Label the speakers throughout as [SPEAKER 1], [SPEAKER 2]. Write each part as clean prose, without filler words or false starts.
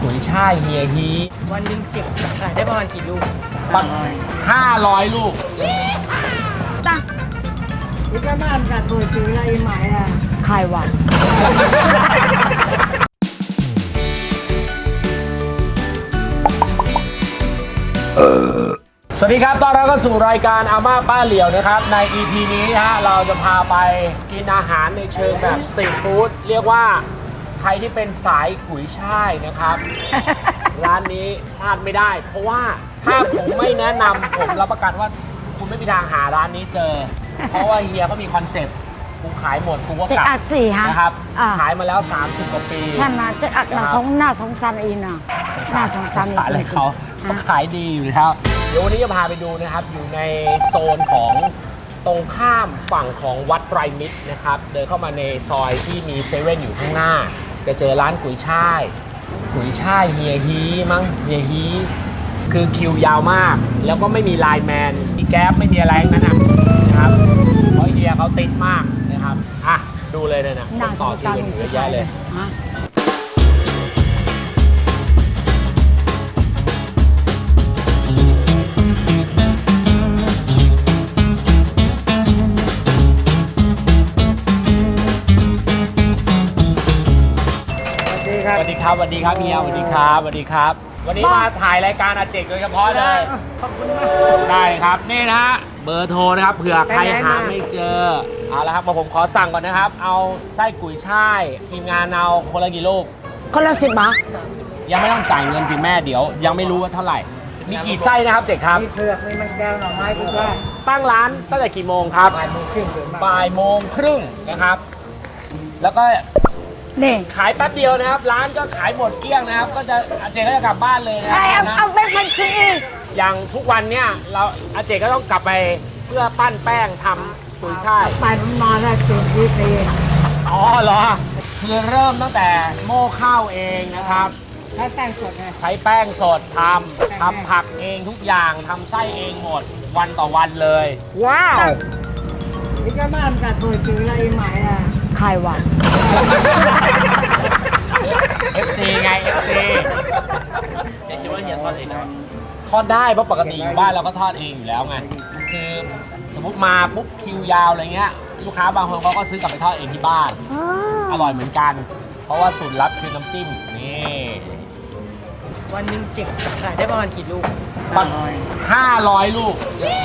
[SPEAKER 1] กุยช่ายเฮียฮี
[SPEAKER 2] วันหนึ่งเจ็บขายได้ประมาณกี่ลูก
[SPEAKER 1] 500 ลูก
[SPEAKER 3] ตั้ง
[SPEAKER 2] นี่ก็บ้านกัดตัวซื้ออะไรใหม่อ่ะ
[SPEAKER 3] ขายวัน
[SPEAKER 1] สวัสดีครับตอนเราก็สู่รายการอาม่าป้าเหลียวนะครับใน EP นี้ฮะเราจะพาไปกินอาหารในเชิงแบบสตรีทฟู้ดเรียกว่าใครที่เป็นสายกุยช่ายนะครับ ร้านนี้พลาดไม่ได้เพราะว่าถ้าผมไม่แนะนำผมรับประกันว่าคุณไม่มีทางหาร้านนี้เจอ เพราะว่าเฮียเขามีคอนเซ็ปต์กูขายหมดกูก็กลับนะครับขายมาแล้ว30 กว่าปี
[SPEAKER 3] ใช่ไหมจะอักหน้าสงสารอีน่ะน่าสงสาร
[SPEAKER 1] อะไรเขาก็ขายดีอยู่แล้วเดี๋ยววันนี้จะพาไปดูนะครับอยู่ในโซนของตรงข้ามฝั่งของวัดไตรมิตรนะครับเดินเข้ามาในซอยที่มีเซเว่นอยู่ข้างหน้าจะเจอร้านกุยช่ายเฮียฮีมั้งเฮียฮีคือคิวยาวมากแล้วก็ไม่มีไลน์แมนมีแก๊ปไม่มีอะไรทั้งนั้นนะครับเพราะเฮียเขาติดมากนะครับอ่ะดูเลยนะต่อคิวเยอะแยะเลยสวัสดีครับเฮียสวัสดีครับวันนี้มาถ่ายรายการอาเจกโดยเฉพาะเลยขอบคุณมากได้ครับนี่นะฮะเบอร์โทรนะครับเผื่อใครหาไม่เจอเอาละครับผมขอสั่งก่อนนะครับเอาไส้กุยช่ายทีมงานเอาคนละกี่ลูก
[SPEAKER 3] คนละ10 บาท
[SPEAKER 1] ยังไม่ต้องจ่ายเงินสิแม่เดี๋ยวยังไม่รู้ว่าเท่าไหร่มีกี่ไส้นะครับเจกครับ
[SPEAKER 2] มีเผือกมีมันแก้วหน่อไม้ทุกอย่าง
[SPEAKER 1] ตั้งร้านตั้งแต่กี่โมงครับบ่ายโมงครึ่งนะครับแล้วก็
[SPEAKER 3] นี่
[SPEAKER 1] ขายแป๊บเดียวนะครับร้านก็ขายหมดเกลี้ยงนะครับก็จะอาเจก็จะกลับบ้านเลยนะ
[SPEAKER 3] เอาเป็นคนซื้อ
[SPEAKER 1] อย่างทุกวันเนี่ยเราอาเจก็ต้องกลับไปเพื่อปั้นแป้งทำกุยช่าย
[SPEAKER 3] ไปมันมาได้10 ปี
[SPEAKER 1] อ๋อเหรอคือเริ่มตั้งแต่โม่ข้าวเองนะครับ
[SPEAKER 2] ใช้แป้งสด
[SPEAKER 1] ใช้แป้งสดทำผักเองทุกอย่างทำไส้เองหมดวันต่อวันเลยว้าว
[SPEAKER 2] นี่ก็บ้านกัดตัวซื้ออะไรใหม่อ่ะ
[SPEAKER 3] ขายวัน
[SPEAKER 1] FC ไง FC เดี๋ยวคิดว่าเฮียทอดเองนะทอดได้เพราะปกติอยู่บ้านเราก็ทอดเองอยู่แล้วไงคือสมมติมาปุ๊บคิวยาวอะไรเงี้ยลูกค้าบางคนเขาก็ซื้อกลับไปทอดเองที่บ้านอร่อยเหมือนกันเพราะว่าสูตรลับคือน้ำจิ้มนี่
[SPEAKER 2] วันหนึ่งเจ็บขายได้ประมาณกี่ลูก
[SPEAKER 1] 500 ลูก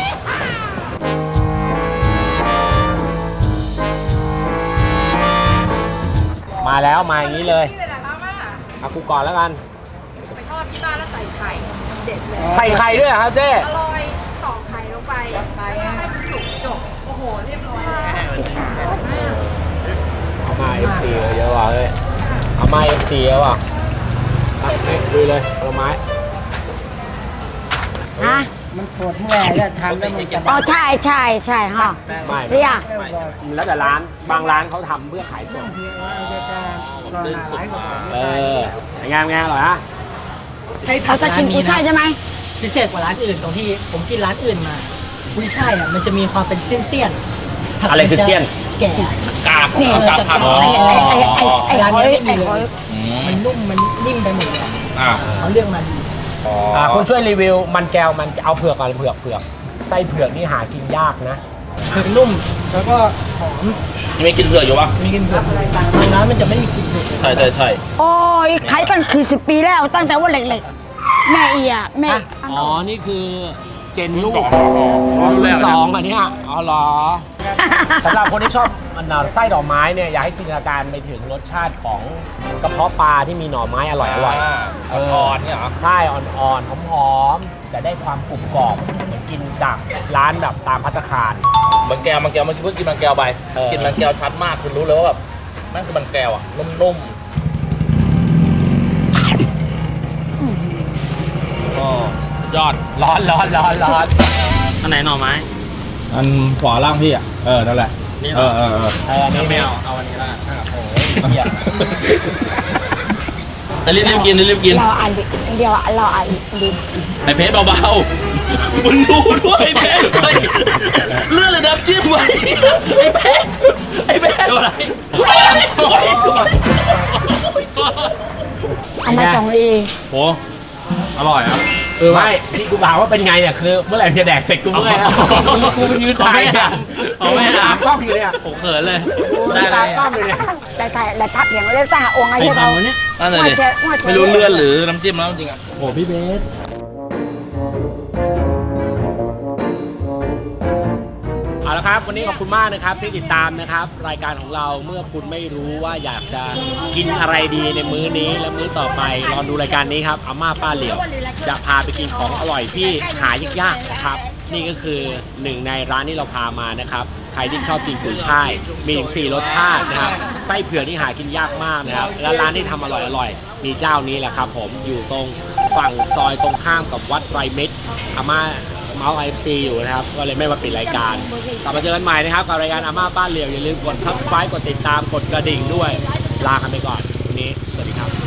[SPEAKER 1] มาแล้วมาอย่างนี้เลยเอากูก่อนแล้วกัน
[SPEAKER 4] ไปทอดที่บ้านแล้วใส่ไข่เด็ดเลย
[SPEAKER 1] ใส่ไข่ด้วยเหรอครับเจ๊
[SPEAKER 4] อร่อยต่อไข่ลงไปให้มันสุกจบโอ้โหเรียบร้อยเลย
[SPEAKER 1] เอามา FC เยอะว่ะเฮ้ยเอามา FC เยอะว่ะดูเลยผลไม้
[SPEAKER 3] ฮะ
[SPEAKER 2] มันปวดเมื่อยแล้วทำแล้วมันจะ
[SPEAKER 3] อ๋อใช่ฮะเสีย
[SPEAKER 1] แล้วแต่ร้านบางร้านเขาทำเพื่อขายสด
[SPEAKER 2] ดึงสุด
[SPEAKER 1] งานอร่อยฮะ
[SPEAKER 3] เขาจะกินกุยช่ายใช่ไหม
[SPEAKER 2] พิเศษกว่าร้านอื่นตรงที่ผมกินร้านอื่นมากุยช่ายอ่ะมันจะมีความเป็นเส้น
[SPEAKER 1] อะไรคือเส้น
[SPEAKER 2] แก่
[SPEAKER 1] กากผัก
[SPEAKER 2] ร้านนี้ไม่มีเลยมันนุ่มมันนิ่มไปหมดเลยเขาเลือกมาดี
[SPEAKER 1] คุณช่วยรีวิวมันแก้วมันเอาเผือกก่อนเผือกไส้เผือกนี่หากินยากนะ
[SPEAKER 2] เผือกนุ่มแล้วก็หอม
[SPEAKER 1] มีกินเผือกอยู่ปะ
[SPEAKER 2] มีกินเผือกบางร้านมันจะไม่มีกินเผือก
[SPEAKER 1] ใช่
[SPEAKER 3] โอ้ยขายกันคือ10 ปีแล้วตั้งแต่ว่าเล็กๆแม่แม่
[SPEAKER 1] อ๋อนี่คือเจนลูกรุ่น2อันนี้อ๋อเหรอสำหรับคนที่ชอบไส้ดอกไม้เนี่ยอยากให้จินตนาการไปถึงรสชาติของกระเพาะปลาที่มีหน่อไม้อร่อยอ่อนเนี่ยเหรอใช่อ่อนหอมๆแต่ได้ความกรุบกรอบเหมือนกินจากร้านแบบตามภัตตาคาร
[SPEAKER 5] มันแก้วมันเพิ่งกินมันแก้วไปกินมันแก้วชัดมากคุณรู้เลยว่าแบบนั่นคือมันแก้วอ่ะนุ่ม
[SPEAKER 1] อ๋อยอดร้อน
[SPEAKER 5] อันไหนหน่อไม้
[SPEAKER 1] อันขวาล่างพี่อ่ะนั่นแหละ
[SPEAKER 5] นี่
[SPEAKER 1] อันนี้
[SPEAKER 5] ไม่เอาอันนี้ละโอ้ยแต่รีบกิน
[SPEAKER 3] เราอ่านเดียวเราอ่านดิ
[SPEAKER 5] ไอเพชรเบาๆมึงดูด้วยเพชรเลื่อนเลยน้ำจิ้มไว้ไอเพชรอะไร
[SPEAKER 3] เอามา2 เอ
[SPEAKER 5] โหอร่อยครับ
[SPEAKER 1] ไม่ที่กูบอกว่าเป็นไงเนี่ยคือเมื่อไหร่จะแดกเสร็จกูเมื่อยแล้วกูไปยืนถ่ายเนี่ย
[SPEAKER 5] เอาไม่
[SPEAKER 1] ตา
[SPEAKER 5] ถาม
[SPEAKER 1] กล้องอยู่เนี่ย
[SPEAKER 5] ผมเขินเลย
[SPEAKER 1] ได้
[SPEAKER 5] ได้
[SPEAKER 1] ตา
[SPEAKER 5] เลย
[SPEAKER 1] กล้องอยู่เนี่ย
[SPEAKER 3] แต่ทักอย่างเล่นสหองค์ไอ้
[SPEAKER 2] ไป
[SPEAKER 3] เจ้า
[SPEAKER 2] ทำวันนี้
[SPEAKER 5] นั่นเลยดิไม่รู้เลือดหรือน้ำจิ้มแล้วจริงอ่ะ
[SPEAKER 2] โอ้พี่เบส
[SPEAKER 1] เอาละครับวันนี้ขอบคุณมากนะครับที่ติดตามนะครับรายการของเราเมื่อคุณไม่รู้ว่าอยากจะกินอะไรดีในมื้อนี้และมื้อต่อไปรอดูรายการนี้ครับอาม่าป้าเหลียวจะพาไปกินของอร่อยที่หายากๆนะครับนี่ก็คือหนึ่งในร้านที่เราพามานะครับใครที่ชอบกินกุยช่ายมีถึง4รสชาตินะครับไส้เผือกที่หากินยากมากนะครับและร้านที่ทำอร่อยๆมีเจ้านี้แหละครับผมอยู่ตรงฝั่งซอยตรงข้ามกับวัดไตรมิตรอาม่าเมาส์ IFC อยู่นะครับก็เลยไม่มาปิดรายการกลับมาเจอกันใหม่นะครับกับรายการอาม่าบ้านเหลียวอย่าลืมกด subscribe กดติดตามกดกระดิ่งด้วยลากันไปก่อนวันนี้สวัสดีครับ